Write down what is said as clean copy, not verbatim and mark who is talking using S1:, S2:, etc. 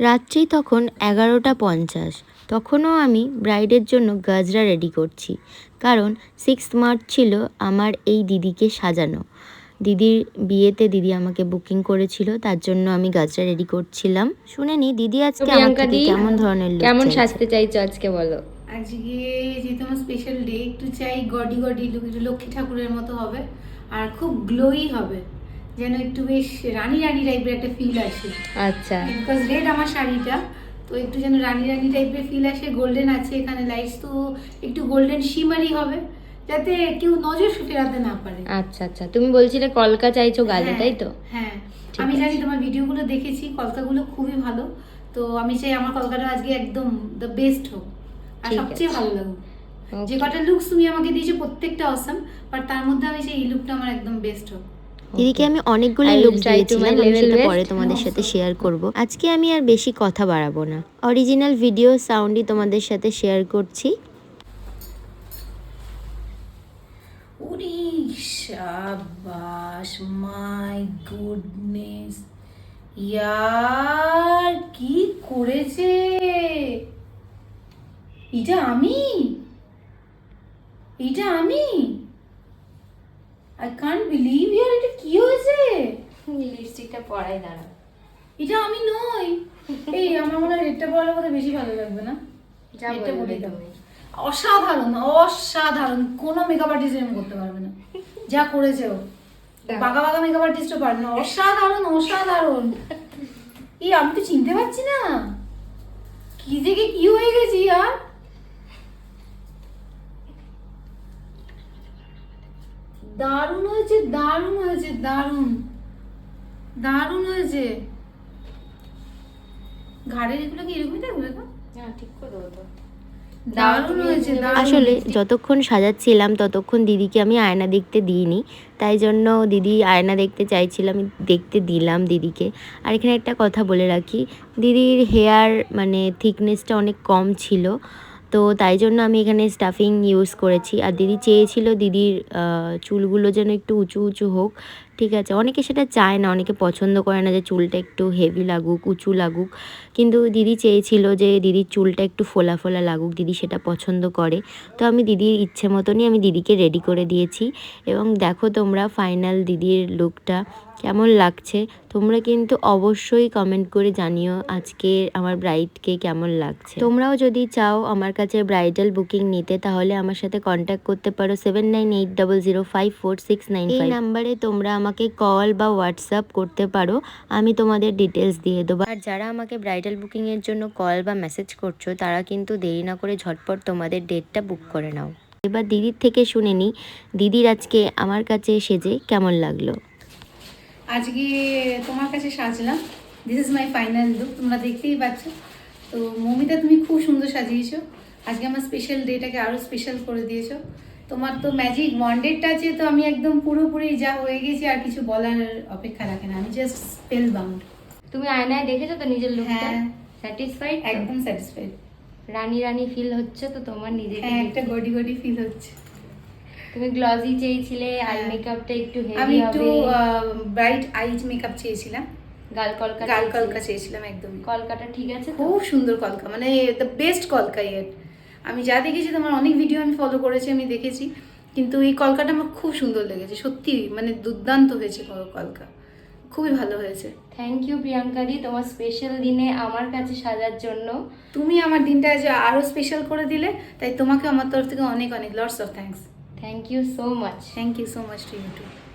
S1: রাত্রি তখন 11:50। তখনও আমি ব্রাইডের জন্য গাজরা রেডি করছি, কারণ 6 মার্চ ছিল আমার এই দিদিকে সাজানো। দিদির বিয়েতে দিদি আমাকে বুকিং করেছিল, তার জন্য আমি গাজরা রেডি করছিলাম। শুনে নি দিদি আজকে আমার থেকে কেমন ধরনের লুক
S2: কেমন সাজতে চাইছো আজকে বলো।
S3: আজকে যেহেতু আমার স্পেশাল ডে, একটু চাই গডি গডি লুক, একটু লক্ষ্মী ঠাকুরের মতো হবে আর খুব গ্লোই হবে, যেন একটু বেশ রানী রানী টাইপের একটা ফিল আসে।
S2: আচ্ছা,
S3: বিকজ রেড আমার শাড়িটা, তো একটু যেন রানী রানী টাইপের ফিল আসে। গোল্ডেন আছে এখানে লাইটস, তো একটু গোল্ডেন শিমারি হবে, যাতে কেউ নজর ফেরাতে না পারে।
S2: আচ্ছা আচ্ছা, তুমি বলছিলে কলকা চাইছো গালে, তাই তো?
S3: হ্যাঁ, আমি জানি তোমার ভিডিওগুলো দেখেছি, কলকাগুলো খুবই ভালো। তো আমি চাই আমার কলকাটা আজকে একদম দ্য বেস্ট হোক আর সবচেয়ে ভালো লাগুক। যে কটা লুকস তুমি আমাকে দিয়েছো প্রত্যেকটা অসাম, বাট তার মধ্যে আমি সেই এই লুকটা আমার একদম বেস্ট হোক।
S1: দিদিকে আমি অনেকগুলো লুক দিয়েছিলাম, আমি সেটা পরে তোমাদের সাথে শেয়ার করব। আজকে আমি আর বেশি কথা বাড়াবো না, অরিজিনাল ভিডিও সাউন্ডই তোমাদের সাথে শেয়ার করছি।
S3: ওরে শাবাশ, মাই গুডনেস, ইয়ার কি করেছে এটা! আমি আই কান্ট বিলিভ ইয়ার, এটা কি হয়েছে?
S2: লিপস্টিকটা পরাই দাঁড়া।
S3: এটা আমি নই। এই আমার মনে হয় রেডটা পরালে বোধহয় বেশি ভালো লাগবে না?
S2: যা
S3: রেডটা
S2: বলবে
S3: পরিয়ে দাও।
S2: তুমি।
S3: অসাধারণ অসাধারণ, কোনো মেকআপ আর্টিস্ট এরকম করতে পারবে না যা করেছে ও। বাঁকা বাঁকা মেকআপ আর্টিস্টও পারবে না। অসাধারণ অসাধারণ। এই আমি তো চিনতে পারছি না কি থেকে কি হয়ে গেছি আর। দারুণ হয়েছে, দারুণ হয়েছে, দারুণ দারুণ হয়েছে। ঘাড়ের এগুলো কি এরকমই থাকবে?
S2: হ্যাঁ, ঠিক করে দেবো তো।
S3: দারুণ হয়েছে।
S1: আসলে যতক্ষণ সাজাচ্ছিলাম ততক্ষণ দিদিকে আমি আয়না দেখতে দিইনি, তাই জন্য দিদি আয়না দেখতে চাইছিলাম, দেখতে দিলাম দিদিকে। আর এখানে একটা কথা বলে রাখি, দিদির হেয়ার মানে থিকনেসটা অনেক কম ছিল, তো তাই জন্য আমি এখানে স্টাফিং ইউজ করেছি। আর দিদি চেয়েছিল দিদির চুলগুলো যেন একটু উঁচু উঁচু হোক। ঠিক আছে, অনেকে সেটা চায় না, অনেকে পছন্দ করে না যে চুলটা একটু হেভি লাগুক, উঁচু লাগুক, কিন্তু দিদি চেয়েছিল যে দিদির চুলটা একটু ফোলা ফোলা লাগুক, দিদি সেটা পছন্দ করে। তো আমি দিদির ইচ্ছে মতনই আমি দিদিকে রেডি করে দিয়েছি। এবং দেখো তোমরা ফাইনাল দিদির লুকটা কেমন লাগছে, তোমরা কিন্তু অবশ্যই কমেন্ট করে জানিও আজকে আমার ব্রাইডকে কেমন লাগছে। তোমরাও যদি চাও আমার কাছে ব্রাইডাল বুকিং নিতে, তাহলে আমার সাথে কন্ট্যাক্ট করতে পারো 7980054695। এই নাম্বারে তোমরা আমাকে কল বা হোয়াটসঅ্যাপ করতে পারো, আমি তোমাদের ডিটেলস দিয়ে দেবো। আর যারা আমাকে ব্রাইডাল বুকিংয়ের জন্য কল বা মেসেজ করছো, তারা কিন্তু দেরি না করে ঝটপট তোমাদের ডেটটা বুক করে নাও। এবার দিদির থেকে শুনে নিই দিদির আজকে আমার কাছে সেজে কেমন লাগলো।
S3: আজকে তোমার কাছে সাজলাম, this is my final look, তোমরা দেখতেই পাচ্ছ। তো মৌমিতা তুমি খুব সুন্দর সাজিয়েছো, আজকে আমার স্পেশাল ডেটাকে আরও স্পেশাল করে দিয়েছো। তোমার তো ম্যাজিক ওয়ান্ডেড আছে, তো আমি একদম পুরোপুরি যা হয়ে গেছি, আর কিছু বলার অপেক্ষা রাখে না, আমি জাস্ট স্পেল বাউন্ড।
S2: তুমি আয়নায় দেখেছো তো নিজের লুকটা?
S3: হ্যাঁ,
S2: স্যাটিসফাইড?
S3: একদম স্যাটিসফাইড।
S2: রানী রানী ফিল হচ্ছে তো তোমার নিজেকে?
S3: হ্যাঁ, একটা গডি গডি ফিল হচ্ছে।
S2: তুমি গ্লজি চেয়েছিলে, আই মেকআপটা একটু
S3: আমি
S2: হেভি
S3: একটু
S2: হবে,
S3: ব্রাইট আইজ মেকআপ চেয়েছিলাম,
S2: গাল কলকা
S3: গাল কলকা চেয়েছিলাম। একদম
S2: কলকাটা ঠিক আছে তো?
S3: খুব সুন্দর কলকা, মানে দ্য বেস্ট কলকা ইয়েট। আমি যা দেখেছি, তোমার অনেক ভিডিও আমি ফলো করেছি, আমি দেখেছি, কিন্তু এই কলকাটা আমার খুব সুন্দর লেগেছে সত্যি, মানে দুর্দান্ত হয়েছে কলকা, খুবই ভালো হয়েছে।
S2: থ্যাংক ইউ প্রিয়াঙ্কা দি, তোমার স্পেশাল দিনে আমার কাছে সাজার জন্য।
S3: তুমি আমার দিনটা আজ আরও স্পেশাল করে দিলে, তাই তোমাকে আমার তরফ থেকে অনেক অনেক lots of thanks.
S2: Thank you so much.
S3: Thank you so much to you two.